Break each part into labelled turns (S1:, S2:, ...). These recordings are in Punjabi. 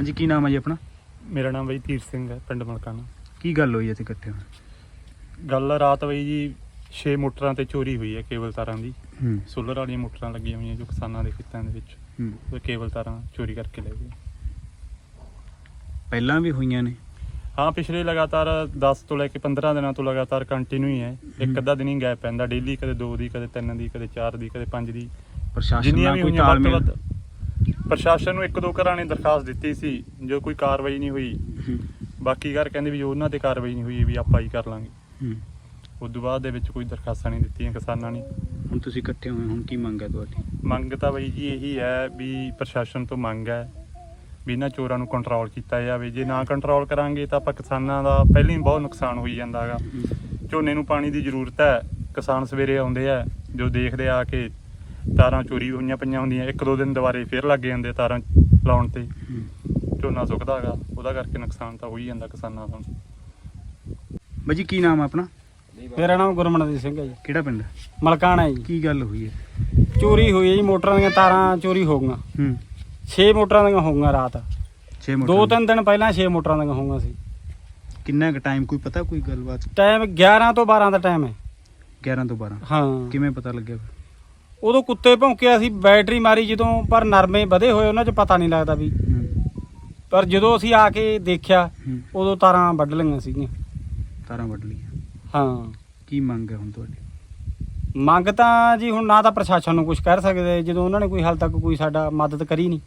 S1: ਹਾਂਜੀ, ਕੀ ਨਾਮ ਹੈ ਜੀ ਆਪਣਾ?
S2: ਮੇਰਾ ਨਾਮ ਬਈ ਧੀਰ ਸਿੰਘ ਹੈ, ਪਿੰਡ ਮਲਕਾਣਾ।
S1: ਕੀ ਗੱਲ ਹੋਈ ਇੱਥੇ ਇਕੱਠੇ ਹੋਏ?
S2: ਗੱਲ ਰਾਤ ਬਈ ਜੀ 6 ਮੋਟਰਾਂ ਤੇ ਚੋਰੀ ਹੋਈ ਹੈ ਕੇਬਲ ਤਾਰਾਂ ਦੀ।
S1: ਹੂੰ
S2: ਸੋਲਰ ਵਾਲੀਆਂ ਮੋਟਰਾਂ ਲੱਗੀਆਂ ਹੋਈਆਂ ਜੋ ਕਿਸਾਨਾਂ ਦੇ ਖੇਤਾਂ ਦੇ ਵਿੱਚ,
S1: ਹੂੰ।
S2: ਉਹ ਕੇਬਲ ਤਾਰਾਂ ਚੋਰੀ ਕਰਕੇ ਲੈ ਗਏ।
S1: ਪਹਿਲਾਂ ਵੀ ਹੋਈਆਂ ਨੇ?
S2: ਹਾਂ, ਪਿਛਲੇ ਲਗਾਤਾਰ 10 ਤੋਂ ਲੈ ਕੇ 15 ਦਿਨਾਂ ਤੋਂ ਲਗਾਤਾਰ ਕੰਟੀਨਿਊ ਹੀ ਹੈ। ਇੱਕ ਅੱਧਾ ਦਿਨ ਹੀ ਗੈਪ ਪੈਂਦਾ, ਡੇਲੀ ਕਦੇ 2 ਦੀ, ਕਦੇ 3 ਦੀ, ਕਦੇ 4 ਦੀ, ਕਦੇ 5 ਦੀ।
S1: ਪ੍ਰਸ਼ਾਸਨ ਨਾਲ ਕੋਈ
S2: ਵੱਧ ਤੋਂ
S1: ਤਾਲਮੇਲ?
S2: ਵੱਧ ਪ੍ਰਸ਼ਾਸਨ ਨੂੰ 1-2 ਘਰਾਂ ਨੇ ਦਰਖਾਸਤ ਦਿੱਤੀ ਸੀ, ਜੋ ਕੋਈ ਕਾਰਵਾਈ ਨਹੀਂ ਹੋਈ।
S1: ਹੂੰ
S2: ਬਾਕੀ ਘਰ ਕਹਿੰਦੇ ਵੀ ਜੋ ਉਹਨਾਂ ਤੇ ਕਾਰਵਾਈ ਨਹੀਂ ਹੋਈ ਵੀ ਆਪਾਂ ਹੀ ਕਰ ਲਾਂਗੇ।
S1: ਹੂੰ।
S2: ਉਸ ਤੋਂ ਬਾਅਦ ਦੇ ਵਿੱਚ ਕੋਈ ਦਰਖਾਸਤਾਂ ਨਹੀਂ ਦਿੱਤੀਆਂ ਕਿਸਾਨਾਂ ਨੇ।
S1: ਹੁਣ ਤੁਸੀਂ ਇਕੱਠੇ ਹੋਏ, ਹੁਣ ਕੀ ਮੰਗ ਹੈ ਤੁਹਾਡੀ?
S2: ਮੰਗ ਤਾਂ ਬਈ ਜੀ ਇਹੀ ਹੈ ਵੀ ਪ੍ਰਸ਼ਾਸਨ ਤੋਂ ਮੰਗ ਹੈ ਵੀ ਇਹਨਾਂ ਚੋਰਾਂ ਨੂੰ ਕੰਟਰੋਲ ਕੀਤਾ ਜਾਵੇ। ਜੇ ਨਾ ਕੰਟਰੋਲ ਕਰਾਂਗੇ ਤਾਂ ਆਪਾਂ ਕਿਸਾਨਾਂ ਦਾ ਪਹਿਲਾਂ ਹੀ ਬਹੁਤ ਨੁਕਸਾਨ ਹੋਈ ਜਾਂਦਾ ਹੈਗਾ। ਝੋਨੇ ਨੂੰ ਪਾਣੀ ਦੀ ਜ਼ਰੂਰਤ ਹੈ, ਕਿਸਾਨ ਸਵੇਰੇ ਆਉਂਦੇ ਆ, ਜੋ ਦੇਖਦੇ ਆ ਕਿ ਤਾਰਾਂ ਚੋਰੀ ਹੋਈਆਂ ਪਈਆਂ ਹੁੰਦੀਆਂ, 1-2 ਦਿਨ ਦੁਬਾਰੇ ਫੇਰ ਲੱਗ ਜਾਂਦੇ ਤਾਰਾਂ ਲਾਉਣ ਤੇ, ਝੋਨਾ ਸੁੱਕਦਾ ਹੈਗਾ, ਉਹਦਾ ਕਰਕੇ ਨੁਕਸਾਨ ਤਾਂ ਹੋ ਹੀ ਜਾਂਦਾ ਕਿਸਾਨਾਂ ਦਾ।
S1: ਬਾਈ ਜੀ, ਕੀ ਨਾਮ ਹੈ ਆਪਣਾ?
S3: ਮੇਰਾ ਨਾਮ ਗੁਰਮਨਦੀਪ ਸਿੰਘ ਹੈ ਜੀ,
S1: ਕਿਹੜਾ ਪਿੰਡ?
S3: ਮਲਕਾਣਾ ਜੀ।
S1: ਕੀ ਗੱਲ ਹੋਈ ਹੈ?
S3: ਚੋਰੀ ਹੋਈ ਹੈ ਜੀ, ਮੋਟਰਾਂ ਦੀਆਂ ਤਾਰਾਂ ਚੋਰੀ ਹੋ ਗਈਆਂ।
S1: ਹੂੰ।
S3: 6 ਮੋਟਰਾਂ ਦੀਆਂ ਹੋ ਗਈਆਂ ਰਾਤ।
S1: 6 ਮੋਟਰ?
S3: 2-3 ਦਿਨ ਪਹਿਲਾਂ 6 ਮੋਟਰਾਂ ਦੀਆਂ ਹੋ ਗਈਆਂ ਸੀ।
S1: ਕਿੰਨਾ ਕੁ ਟਾਈਮ, ਕੋਈ ਪਤਾ, ਕੋਈ ਗੱਲਬਾਤ?
S3: ਟਾਈਮ 11 ਤੋਂ 12 ਦਾ ਟਾਈਮ ਹੈ।
S1: 11 ਤੋਂ 12?
S3: ਹਾਂ।
S1: ਕਿਵੇਂ ਪਤਾ ਲੱਗਿਆ?
S3: ਉਦੋਂ ਕੁੱਤੇ ਭੌਂਕਿਆ ਸੀ, ਬੈਟਰੀ ਮਾਰੀ ਜਦੋਂ, ਪਰ ਨਰਮੇ ਵਧੇ ਹੋਏ ਉਹਨਾਂ 'ਚ ਪਤਾ ਨਹੀਂ ਲੱਗਦਾ ਵੀ। ਪਰ ਜਦੋਂ ਅਸੀਂ ਆ ਕੇ ਦੇਖਿਆ ਉਦੋਂ ਤਾਰਾਂ ਵੱਢ ਲਈਆਂ ਸੀਗੀਆਂ।
S1: ਤਾਰਾਂ ਵੱਢ ਲਈਆਂ?
S3: ਹਾਂ।
S1: ਕੀ ਮੰਗ ਹੈ ਹੁਣ ਤੁਹਾਡੀ?
S3: ਮੰਗ ਤਾਂ ਜੀ ਹੁਣ ਨਾ ਤਾਂ ਪ੍ਰਸ਼ਾਸਨ ਨੂੰ ਕੁਝ ਕਹਿ ਸਕਦੇ, ਜਦੋਂ ਉਹਨਾਂ ਨੇ ਕੋਈ ਹਾਲ ਤੱਕ ਕੋਈ ਸਾਡਾ ਮਦਦ ਕਰੀ ਨਹੀਂ।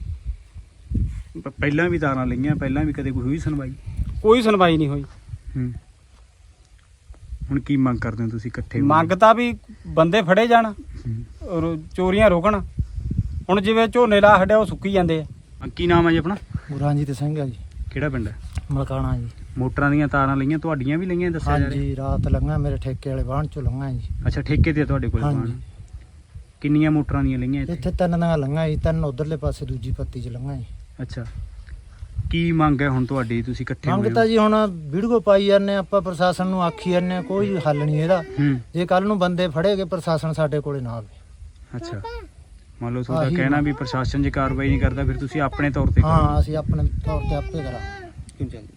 S1: ਪਹਿਲਾਂ ਵੀ ਤਾਰਾਂ ਲਈਆਂ, ਪਹਿਲਾਂ ਵੀ ਕਦੇ ਕੋਈ ਹੋਈ ਸੁਣਵਾਈ?
S3: ਕੋਈ ਸੁਣਵਾਈ ਨਹੀਂ ਹੋਈ।
S1: ਹੁਣ ਕੀ ਮੰਗ ਕਰਦੇ ਹੋ ਤੁਸੀਂ ਇਕੱਠੇ?
S3: ਮੰਗ ਤਾਂ ਵੀ ਬੰਦੇ ਫੜੇ ਜਾਣ, ਚੋਰੀਆਂ ਰੋਕਣ। ਹੁਣ ਜਿਵੇਂ ਝੋਨੇ ਲਾ ਛੱਡਿਆ, ਉਹ ਸੁੱਕੀ ਜਾਂਦੇ ਆ।
S1: ਕੀ ਨਾਮ ਹੈ ਜੀ ਆਪਣਾ?
S4: ਗੁਰਜੀਤ ਸਿੰਘ ਹੈ ਜੀ,
S1: ਕਿਹੜਾ ਪਿੰਡ ਹੈ?
S4: ਮਲਕਾਣਾ ਜੀ।
S1: ਮੋਟਰਾਂ ਦੀਆਂ ਤਾਰਾਂ ਲਈਆਂ, ਤੁਹਾਡੀਆਂ ਵੀ ਲਈਆਂ ਦੱਸਿਆ ਜਾ ਰਿਹਾ?
S4: ਹਾਂਜੀ, ਰਾਤ ਲੰਘਾ, ਮੇਰੇ ਠੇਕੇ ਵਾਲੇ ਵਾਹਣ ਚੋਂ ਲੰਘਾ ਜੀ।
S1: ਅੱਛਾ, ਠੇਕੇ ਤੇ ਤੁਹਾਡੇ ਕੋਲ?
S4: ਹਾਂਜੀ।
S1: ਕਿੰਨੀਆਂ ਮੋਟਰਾਂ ਦੀਆਂ ਲਈਆਂ
S4: ਇੱਥੇ 3 ਦੀਆਂ ਲੰਘਾ ਜੀ, 3 ਉਧਰਲੇ ਪਾਸੇ ਦੂਜੀ ਪੱਤੀ 'ਚ ਲੰਘਾ ਜੀ।
S1: ਅੱਛਾ, ਕੀ ਮੰਗ ਹੈ ਹੁਣ ਤੁਹਾਡੀ? ਤੁਸੀਂ ਇਕੱਠੇ ਹੋਏ
S4: ਮੰਗ ਤਾਂ ਜੀ ਹੁਣ ਵੀਡੀਓ ਪਾਈ ਜਾਂਦੇ ਆਪਾਂ, ਪ੍ਰਸ਼ਾਸਨ ਨੂੰ ਆਖੀ ਜਾਂਦੇ, ਕੋਈ ਹੱਲ ਨਹੀਂ ਇਹਦਾ। ਜੇ ਕੱਲ ਨੂੰ ਬੰਦੇ ਫੜੇਗੇ, ਪ੍ਰਸ਼ਾਸਨ ਸਾਡੇ ਕੋਲੇ ਨਾ ਆਵੇ।
S1: ਅੱਛਾ, ਮੰਨ ਲਓ ਤੁਹਾਡਾ ਕਹਿਣਾ ਵੀ ਪ੍ਰਸ਼ਾਸਨ ਜੇ ਕਾਰਵਾਈ ਨਹੀਂ ਕਰਦਾ, ਫਿਰ ਤੁਸੀਂ ਆਪਣੇ ਤੌਰ ਤੇ?
S4: ਹਾਂ, ਅਸੀਂ ਆਪਣੇ ਤੌਰ ਤੇ ਆਪੇ ਕਰਾਂਗੇ।